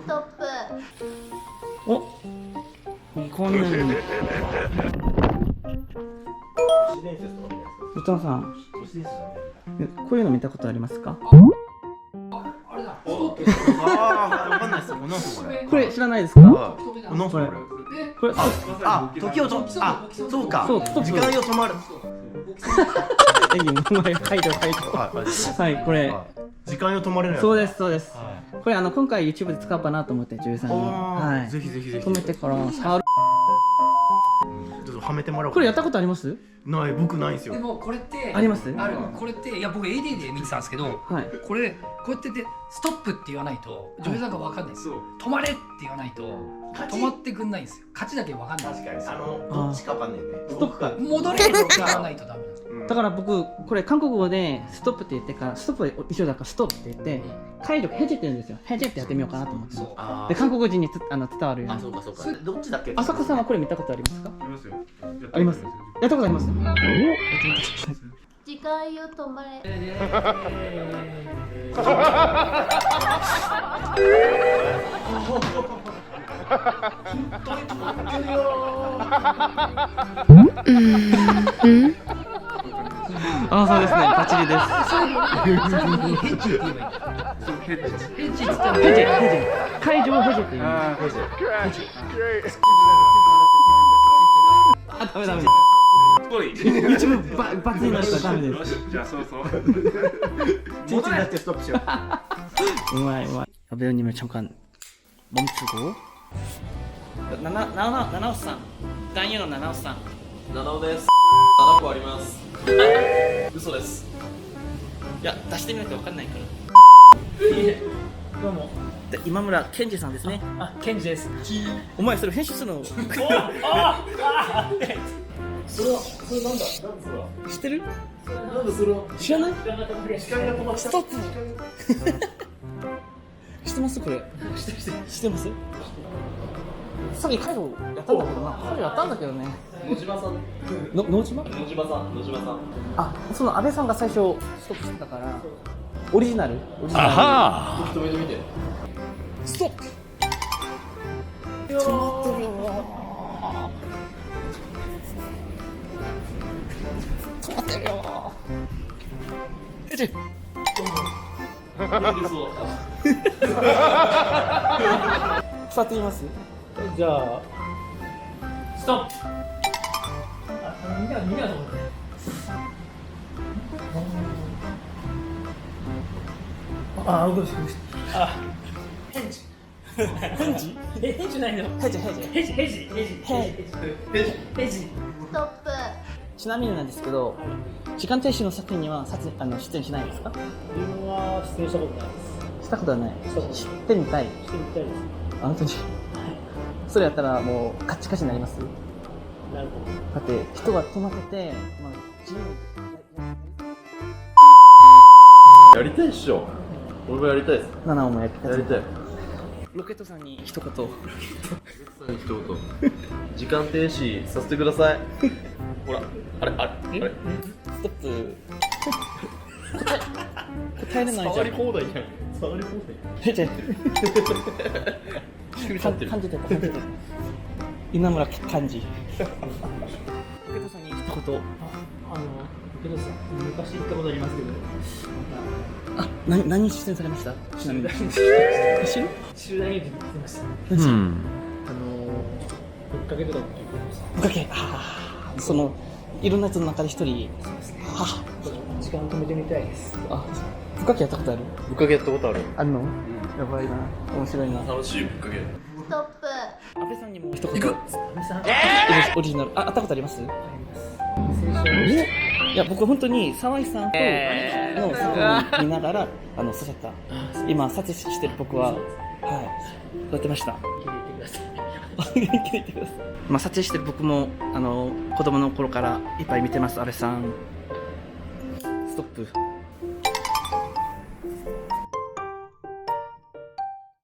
トップ。 お、こんなに。宇多野さん、こういうの見たことありますか？ あれだ。 ああ、わかんないですよ。なんすかこれ。 これ知らないですか？ なんすかこれ。 これ、 時をと、そうか。 そうストップ時間よ止まる。 書いてる。はい、これ。 時間よ止まれるやつ。 そうです、そうです。これ今回 YouTube で使おうかなと思って女優さんに。はい。 ぜひぜひぜひ。 止めてから触る。 ちょっとはめてもらおう。 これやったことあります？ ない、僕ないんですよ。 でもこれってあります？ これっていや僕 AD で見てたんですけど、 はい。 これこうやってでストップって言わないと女優さんがわかんないんですよ。止まれって言わないと止まってくんないんですよ。勝ちだけわかんない。 確かに。どっちかわかんないね。 ストップか。 戻れって言わないとダメなんですよ。 だから僕これ韓国語でストップって言ってからストップは一緒だからストップって言って解除ヘジって言うんですよ。ヘジってやってみようかなと思って。で韓国人に伝わるように。 そうかそうか。どっちだっけ？ 浅香さんはこれ見たことありますか？ ありますよ。 あります。やったことあります。 時間よ止まれ。 あ、そうですね。バッチリです。 最後にヘッジって言えばいいんだ。ヘッジって言ったらヘジ。解除をヘジって言う。あ、ダメ。YouTube バツになったらダメです。 じゃあそうそう。 チンチンだってストップしよう。 うまい。배우님을 잠깐 멈추고. 나나오상.男優の나나오상. 七尾です。7個あります。嘘です。 いや、出してみなきゃ分かんないから。どうも。今村健二さんですね。 あ、ケンジです。 お前それ編集するの？ それはそれなんだ。 知ってる？ なんでそれは。 知らない？ 時間が止まった。 ストップ。知ってますこれ？知ってます？さっき介護やったんだけどな。介護やったんだけどね。 野島さん。 野島？ 野島さん。 あ、その安倍さんが最初ストップしてたからオリジナル。 あは。止めてみて。 ストップ。止まってるよ。止まってるよ。えち。触ってみます？じゃあストップ。 みんなと思って。あ、動いてる。あ、ヘッジ。ヘッジないの。 ヘジ。 ヘジ。 ストップ。 ちなみになんですけど、時間停止の作品には出演しないですか？ 自分は出演したことないです。 したことはない。知ってみたい。 してみたいです。 あ、本当に。それやったらもうカッチカチになります。 なるほど。 だって人が止まってて、まあ、自由にやりたいっしょ。俺もやりたいです。 7をもやりやりたい。 ロケットさんに一言。 一言。時間停止させてください。ほら、あれ。 ストップ。答えれないじゃん。 触り放題じゃん。触り放題。 じゃ感じてた。稲村幹事。ロケットさんに一言。 けどさ、昔行ったことありますけど。 あ、何出演されました？ちなみに。 集団演劇に行ってました。 うん。 ぶっかけとかも聞いてました。 ぶっかけ。そのいろんなやつの中で一人。 時間止めてみたいです。 あ、ぶっかけやったことある？ ぶっかけやったことある。 あるの？やばいな。面白いな。 楽しいぶっかけ。 ストップ。 安倍さんにも一言。 安倍さん。 オリジナル。会ったことあります？ あります。 いや、僕本当に沢井さんとの作品見ながら刺さった。今撮影してる僕はやってました。元気でいてください。まあ撮影してる僕も子供の頃からいっぱい見てます。安倍さん。ストップ。